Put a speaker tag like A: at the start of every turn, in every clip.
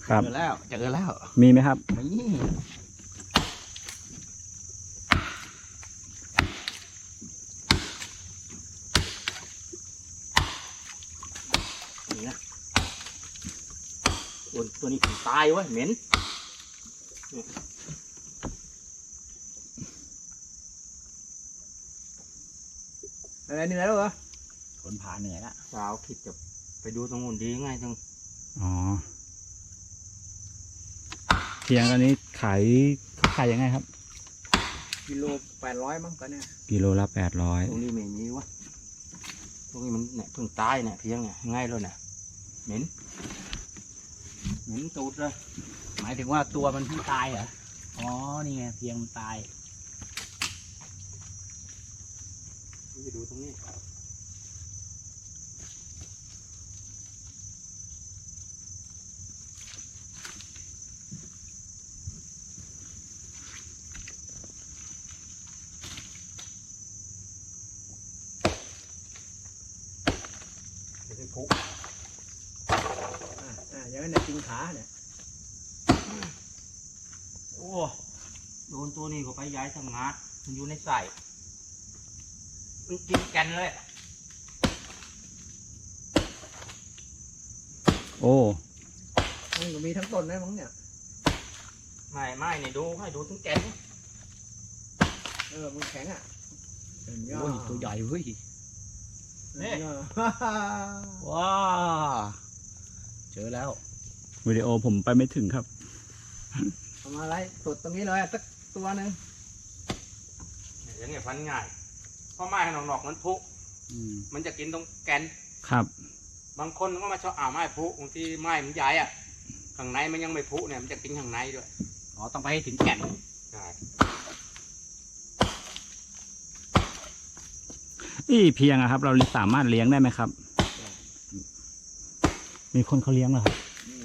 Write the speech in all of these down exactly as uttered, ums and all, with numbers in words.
A: ครับ
B: เจอแล้วเจอแล้ว
A: มีไหมครับ
B: นี่นี่นะตัวตัวนี้ตายเว้ยเหม็นอะไรเหนื่อยแล้วเหรอคนผ่าเหนื่อยละสาวคิดจะไปดูตรงนู้นดีง่ายจัง
A: อ๋อเพียงอันนี้ขายเขาขายยังไงครับ
B: กิโลแปดร้อยมั้งกันเนี่ย
A: กิโลละแปดร้อย
B: ตรงนี้ไม่มีวะตรงนี้มันเนี่ยเพิ่งตายเนี่ยเพียงเนี่ยง่ายเลยเนี่ยเหม็นเหม็นตูดเลยหมายถึงว่าตัวมันเพิ่งตายเหรออ๋อนี่ไงเพียงมันตายไปดูตรงนี้พุกอ่าอย่างนั้นเนี่ยจริงขาเนี่ยโอ้โดนตัวนี้ก็ไปย้ายทำงานมันอยู่ในใส่มันกินแกนเลย
A: โอ้
B: มันก็มีทั้งต้นนะมั้งเนี่ยไม่ไม่เนี่ยดูให้ดูทั้งแกนเออมันแข็งอ่ะโอ้ยตัวใหญ่เว้ยนี่ว้าเจอแล้ว
A: วิดีโอผมไปไม่ถึงครับ
B: ทำอะไรสดตรงนี้เลยสักตัวหนึ่งอย่างเงี้ยพันง่ายเพราะไม้ขนมหนอกมันพุมันจะกินตรงแกน
A: ครับ
B: บางคนก็มาชอบอ่าไม้พุบางทีไม้มันใหญ่อะข้างในมันยังไม่พุเนี่ยมันจะกินข้างในด้วยอ๋อต้องไปให้ถึงแก่นใช่
A: อีเพียงอะครับ เราสามารถเลี้ยงได้ไหมครับ มีคนเขาเลี้ยงเหรอครับ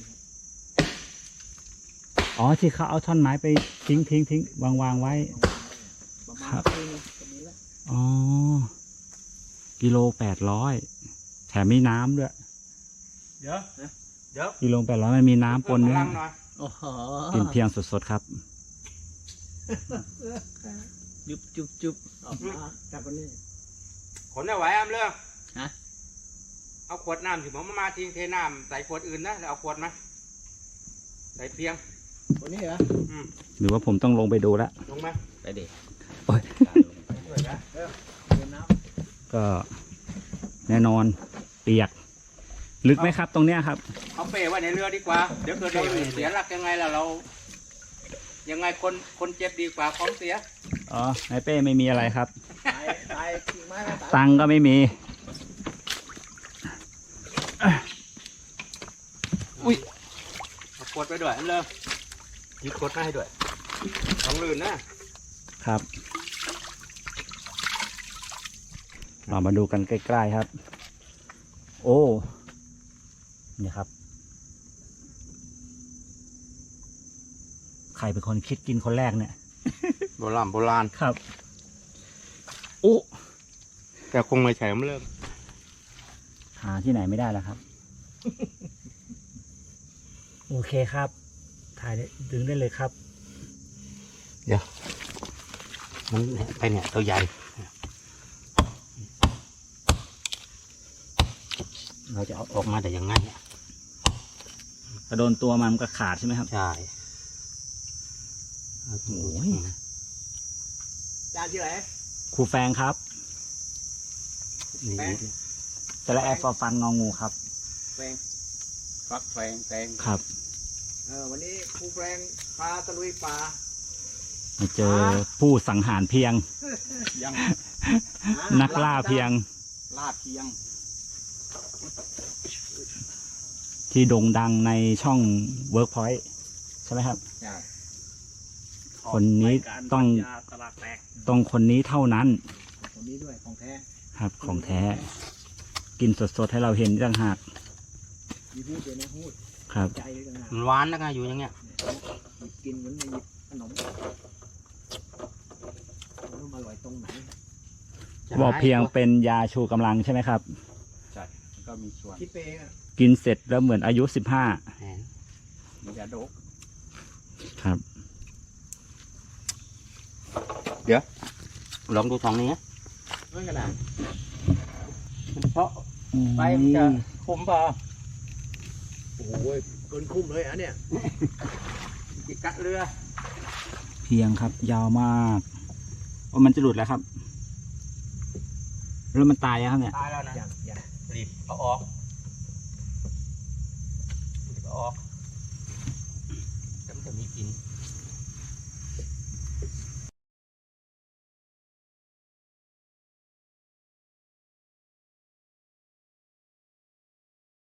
A: อ๋อที่เขาเอาท่อนไม้ไปทิ้งทิ้งทิ้งวางวางไว้ครับอ๋อกิโลแปดร้อยแถมมีน้ำด้วย
B: เดี๋ยวเดี๋ยว
A: กิโลแปดร้อยมันมีน้ำปนด้วย
B: โอ้โห
A: กินเพียงสดๆครับ
B: จุบจุบจุบออกมาจากคนนี้ขนได้ไหวอ้ำเรื่องฮะเอาขวดน้ำถึงผมมาทิ้งเทน้ำใส่ขวดอื่นนะแล้วเอาขวดมาใส่เพียงคนนี้เหรออืม
A: หรือว่าผมต้องลงไปดูแล้ว
B: ลงมาไปดิ
A: โอ้ย ก็แน่นอนเปียก ลึกไหมครับตรงเนี้ยครับ
B: เอาเป้ไว้ในเรือดีกว่าเดี๋ยวเกิดเราเสียหลักยังไงล่ะเรา ยังไงคนคนเจ็บดีกว่าของเสีย
A: อ๋อในเป้ไม่มีอะไรครับ
B: ตายตายกิ่งไม้ตาย
A: ตังค์ก็ไม่มีอุ้ย
B: เอาขวดไปด้วยอันเลยหยิบขวดมาให้ด้วยต้องลื่นนะครับ
A: เรามาดูกันใกล้ๆครับ โอ้นี่ครับใครเป็นคนคิดกินคนแรกเนี่ย
B: โบราณโบราณ
A: ครับโอ้
B: แต่คงไม่ใช่มันเริ่ม
A: หาที่ไหนไม่ได้แล้วครับ โอเคครับ ถ่ายได้ดึงได้เลยครับ
B: เดี๋ยวมันไปเนี่ยตัวใหญ่เราจะเอาออกมาแต่ยังไงเนี่ย
A: ถ้าโดนตัวมันก็ขาดใช่ไหมครับ
B: ใช่
A: โอ้ย
B: จานที่ไหน
A: ครูแฟงครับ
B: นี่
A: จะละแอฟฟอร์ฟันงองูครับ
B: แฟงฟักแฟงแตง
A: ครับ
B: เออวันนี้ครูแฟงพาตะลุยป่า
A: มาเจอผู้สังหารเพียง
B: ยัง
A: นักล่าเพียง
B: ลาดเพียง
A: ที่โด่งดังในช่อง Workpoint ใช่ไหมครับ
B: ใช่
A: คนนี้ต้อง
B: ตลาดแตก
A: ต้องคนนี้เท่านั้น
B: คนนี้ด้วยของแท้
A: ครับ ของแท้ กินสดๆให้เราเห็นต่างหาก
B: มีพูดเดี๋ยวนะพูด
A: ครับ
B: ใจเลยต่างหากมันหวานแล้วไงอยู่อย่างเงี้ยกินเหมือนในขนมรู้มาอร่อยตรงไหน
A: บอกเพียงเป็นยาชูกำลังใช่ไหมครับ
B: ใช่ก็มีส่วนคิดเองอ่ะ
A: กินเสร็จแล้วเหมือนอายุสิบห้า
B: มันจะโดก
A: ครับ
B: ลองดูทองนี้นะไม่กระดาษมันเพาะไปมันจะคุ้มเปล่า
C: โอ้โหเกินคุ้มเลยอ่ะเนี่ย
B: จิกกะเรือ
A: เพียงครับ ยาวมากว่ามันจะหลุดแล้วครับแล้วมันตายแล้วครับเนี่ย
B: ตายแล้วนะ
C: อย่างอย่าง
B: รีบเอาออกรีบเอาออก